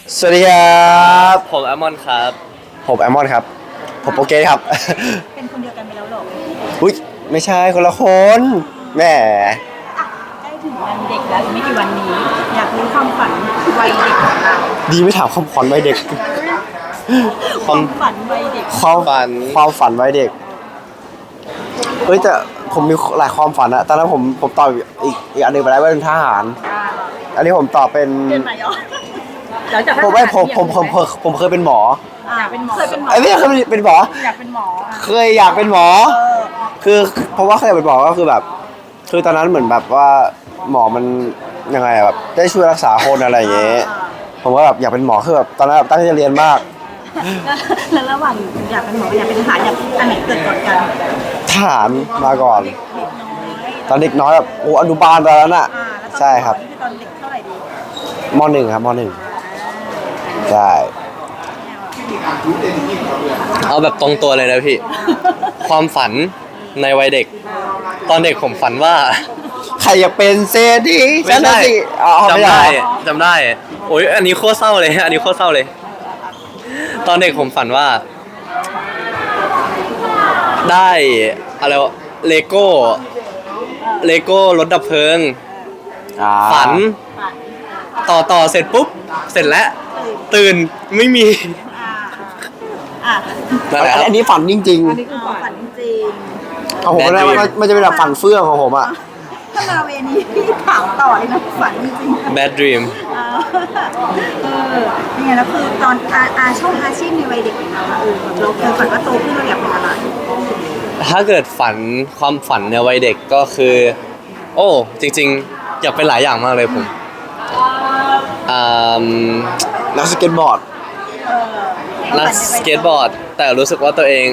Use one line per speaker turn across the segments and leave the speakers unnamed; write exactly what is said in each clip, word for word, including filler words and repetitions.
สวัสดีครับ
ผมแอมมอนครับ
ผมแอมมอนครับผมโปรเกสครับ
เป็นคนเดียวกันไปแล้วหรอ
อุ้ยไม่ใช่คนละคน แหม
ใกล้ถึงวันเด็กแล้วอีกไม่กี่วันนี้อยากรู้ความฝันวัยเด็กของเรา
ดีไม่ถามความฝันวัยเด็ก
ความฝันวัยเด็ก
ความฝันความฝันวัยเด็กเฮ้ยแต่ผมมีหลายความฝันอะตอนนั้นผมผมตอบอีกอีกอันหนึ่งไปแล้วว่าเป็นทหารอันนี้ผมตอบเป็น
เป็นไหนอ๋อ
ผมไม่ผมผมผมผมเคยเป็นหมอ
อยากเป็นหมอเคยเป็นหมอ
ไอ้ไม่เคยเป็นหมอ
อยากเป็นหมอ
เคยอยากเป็นหมอคือเพราะว่าเคยเป็นหมอก็คือแบบคือตอนนั้นเหมือนแบบว่าหมอมันยังไงแบบได้ช่วยรักษาคนอะไรอย่างเงี้ยผมก็แบบอยากเป็นหมอคือแบบตอนนั้นตั้งใจเรียนมาก
แล้วระหว่างอยากเป็นหมออยากเป็นทหารอยากอันไหนเกิดก่อนกัน
ทหารมาก่อนตอนเด็กน้อยแบบโอ้อนุบาลตอนนั้นอ่ะใช่ครับ
ตอนเด็กเท่าไหร่ดี
มหนึ่งครับมหนึ่งใช่
เอาแบบตรงตัวเลยนะพี่ ความฝันในวัยเด็ก ตอนเด็กผมฝันว่า
ใครอยากเป็นเซดี
ไม่ใช่จำได้จำได้โอ้ยอันนี้โคตรเศร้าเลยอันนี้โคตรเศร้าเลย ตอนเด็กผมฝันว่า ได้อะไรวะเลโก้เลโก้รถดับเพลิงฝันต่อต่อเสร็จปุ๊บเสร็จแล้วตื่นไม่มี
อันนี้ฝันจริงๆ
อันนี้คือฝันจริง
ของผมนะมันจะเป็นแบบฝันเฟื่องของผมอะ
ถ้ามาเวนี้พี่ถามต่อเลยนะฝันจริง
Bad Dream
เออนี่ไงแล้วคือตอนอาอาชอบอาชีพในวัยเด็กของเราเออเราเคยฝันว่าโตขึ้นเราอยากเป็นอะไร
ถ้าเกิดฝันความฝันในวัยเด็กก็คือโอ้จริงๆอยากเป็นหลายอย่างมากเลยผมอ่า
นักสเก็ตบอร์ด
นักสเก็ตบอร์ดแต่รู้สึกว่าตัวเอง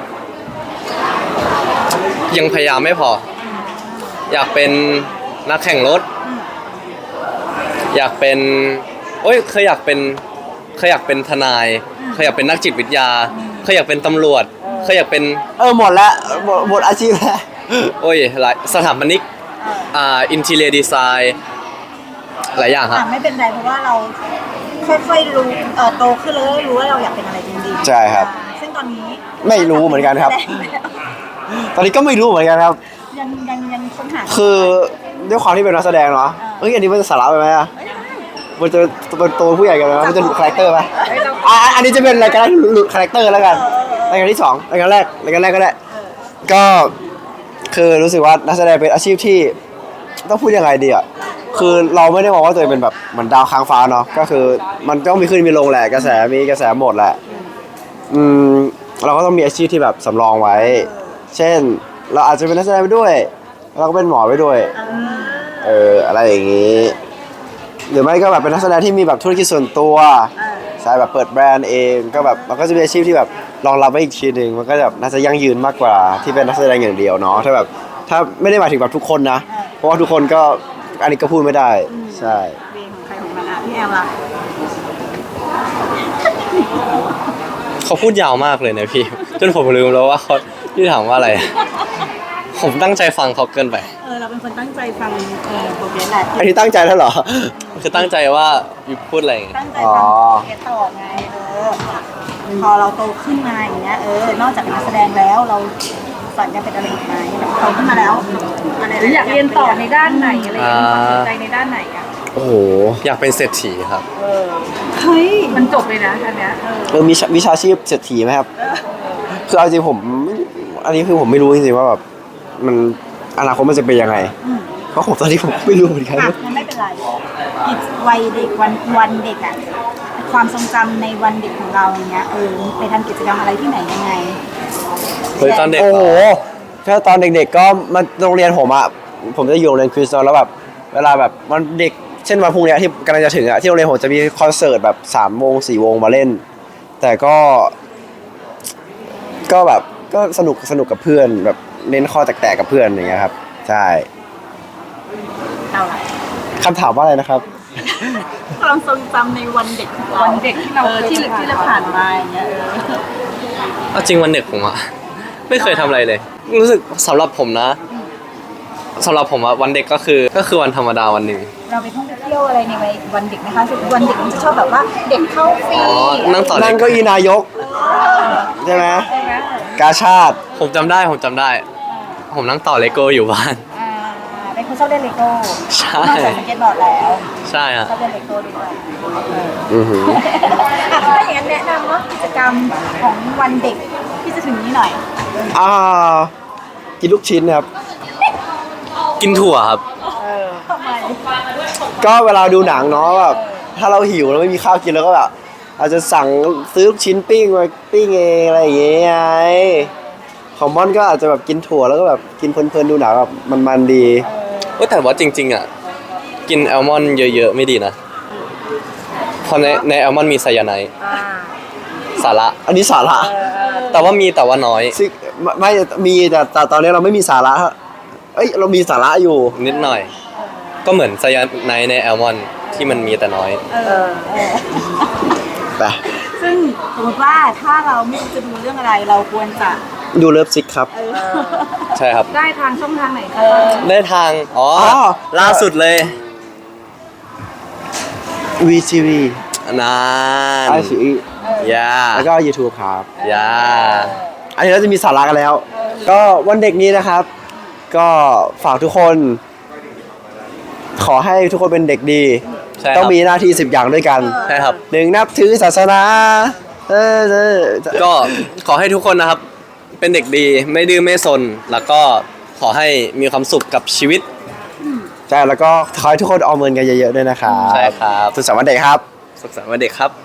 ยังพยายามไม่พออยากเป็นนักแข่งรถอยากเป็นโอ้ยเคยอยากเป็นเคยอยากเป็นทนายเคยอยากเป็นนักจิตวิทยาเคยอยากเป็นตำรวจเคยอยากเป็น
เออหมดแล้วหมดหมดอาชีพแล้ว
โอ้ยหลายสถาปนิกอ่าอินทีเรียดีไซน์หลายอย่างครับ
ไม่เป็นไรเพราะว่าเราค่อยๆรู้เอ่อโตขึ้นแล้วรู้ว่าเราอยากเป็นอะไรจริงๆ
ใช่ครับ
ซึ่งตอนนี้
ไม่รู้เหมือนกันครับตอนนี้ก็ไม่รู้เหมือนกันครับ
ยังยังยังค้นหา
คือด้วยความที่เป็นนักแสดงเนาะเอ้ยอันนี้มันจะสาระไปไหมอะมันจะเป็นตัวผู้ใหญ่กันไหมมันจะหลุดคาแรคเตอร์ไหมอ่ะอันนี้จะเป็นรายการหลุดคาแรคเตอร์แล้วกันรายการที่สองรายการแรกรายการแรกก็ได้ก็คือรู้สึกว่านักแสดงเป็นอาชีพที่ต้องพูดยังไงดีอ่ะคือเราไม่ได้มองว่าตัวเองเป็นแบบเหมือนดาวค้างฟ้าเนาะก็คือมันต้องมีขึ้นมีลงแหละกระแสมีกระแสหมดแหละอืมเราก็ต้องมีอาชีพที่แบบสำรองไว้เช่นเราอาจจะเป็นนักแสดงไปด้วยเราก็เป็นหมอไปด้วยเอออะไรอย่างงี้หรือไม่ก็แบบเป็นนักแสดงที่มีแบบธุรกิจส่วนตัวใช่แบบเปิดแบรนด์เองก็แบบมันก็จะมีอาชีพที่แบบรองรับไว้อีกทีนึงมันก็แบบน่าจะยั่งยืนมากกว่าที่เป็นนักแสดงอย่างเดียวเนาะถ้าแบบถ้าไม่ได้หมายถึงแบบทุกคนนะเพราะว่าทุกคนก็อันนี้ก็พูดไม่ได้ใช่
เวของใครของมันอ่ะพี่แอลล่ะ
เขาพูดยาวมากเลยนะพี่จนผมลืมแล้วว่าเขาที่ถามว่าอะไรผมตั้งใจฟังเขาเกินไป
เออเราเป็นคนตั้งใจฟังเออโปรเกรสแหละ
อันนี้ตั้งใจแล้วเหรอ
คือตั้งใจว่าอยู่พูดอะไร
ตั้งใจฟังโปรเกรสต่อไงเออพอเราโตขึ้นมาอย่างเงี้ยเออนอกจากเป็นนักแสดงแล้วเราฝันจะเป็นอะไรอีกไหมโตขึ้นมาแล้ว
หรืออยากเรียนต่อในด้านไหนอะไรอย่างเงี้ยสนใจในด้านไหนอ่ะ
โอ้โห
อยากเป็นเศรษฐีครับ
เฮ้ย
มันจบเลยนะอันเนี้ย
เออมีวิชาชีพเศรษฐีไหมครับคือเอาจริงผมอันนี้คือผมไม่รู้จริงๆว่าแบบมันอนาคตมันจะเป็นยังไงเพราะผมตอนนี้ผมไม่รู้เหมือนกัน
มันไม่เป็นไรอีกวัยเด็กวันวันเด็กอะความทรงจำในวันเด็กของเราอย่างเงี้ยเออไปทำกิจกรรมอะไรที่ไหนยังไง
เฮ้ยตอนเด็ก
โอ้โหถ้าตอนเด็กๆก็มาโรงเรียนผมอะผมจะอยู่โรงเรียนคริสตัลแล้วแบบเวลาแบบมันเด็กเช่นวันพรุ่งนี้ที่กำลังจะถึงอะที่โรงเรียนผมจะมีคอนเสิร์ตแบบสามวงสี่วงมาเล่นแต่ก็ก็แบบก็สนุกสนุกกับเพื่อนแบบเน้นข้อแตกๆกับเพื่อนอย่างเงี้ยครับใช่คำถามว่าอะไรนะครับ
ความทรงจำในวันเด็กวันเด็กที่เราที่ที่เราผ่านมาอย่างเงี้ย
เอาจริงวันเด็กผมอะไม่เคยทำอะไรเลยรู้สึกสำหรับผมนะสำหรับผมอะวันเด็กก็คือก็คือวันธรรมดาวันหนึ่ง
เราไปท่องไปเที่ยวอะไรในวันเด็กนะคะวันเด็กมันจะชอบแบบว่าเด็กเข้าฟรี
อ๋อนั่งต่อ
นั่งเก้าอี้นายกใช่ไหม
ใช่ไหม
กาชาติ
ผมจำได้ผมจำได้ ผมนั่งต่อเลโก้อยู่บ้าน
อ่าเป็นคนชอบเล่นเลโก้
ใช่
นอกจากสเก็ตบอร์ดแล้ว
ใช่ฮะ
ชอบเล่นเลโก้ด้วย
อือหือ
อ่ะถ้าอย่างนั้นแนะนำว่ากิจกรรมของวันเด็กที่จะถึงนี้หน่อย
อ่ากินลูกชิ้นครับ
กินถั่วครับ
ทำไม
ก็เวลาดูหนังเนาะแบบถ้าเราหิวแล้วไม่มีข้าวกินแล้วก็แบบอาจจะสั่งซื้อลูกชิ้นปิ้งมาปิ้งเองอะไรอย่างเงี้ยไงของม่อนก็อาจจะแบบกินถั่วแล้วก็แบบกินเพลินๆดูหนังแบบมันๆดี
เอ้ยแต่ว่าจริง ๆอ่ะกินแอลมอนด์เยอะๆไม่ดีนะเพราะในในแอลมอนด์มีไซยาไนด์
อ่า
สาระ
อันนี้สาระ
แต่ว่ามีแต่ว่าน้อย
ซึ่งไม่ไม่มีแต่แต่ตอนนี้เราไม่มีสาระเอ้ยเรามีสาระอยู่
นิดหน่อย ก็เหมือนไซยาไนด์ในแอลมอนด์ที่มันมีแต่น้อย
เออเออ
ไป
ซึ่งสมมติว่าถ้าเราไม่รู้จะดูเรื่องอะไรเราควรจะ
ดูเลิฟซิกครับ
เออ
ใช่ครับ
ได้ทางช่องทางไหนคะ
ได้ทาง อ๋ออ
อ
ล่าสุดเลย
วีทีวี
นาน
ไอซี
ยา
แล้วก็ YouTube ครับ
ยา
อันนี้เราจะมีสาระกันแล้ว ก็วันเด็กนี้นะครับ ก็ฝากทุกคน ขอให้ทุกคนเป็นเด็กดี
ใช่ครับ
ต้องมีหน้าที่สิบอย่างด้วยกัน
ใช่ครับ
หนึ่งนับถือศาสนาเออเออ
ก็ขอให้ทุกคนนะครับ เป็นเด็กดีไม่ดื้อไม่ซน แล้วก็ขอให้มีความสุขกับชีวิต
ใช่แล้วก็ขอให้ทุกคนออมเงินกันเยอะๆด้วยนะครับ
ใช่ครับ
สุขสันต์วันเด็กครับ
สุขสันต์วันเด็กครับ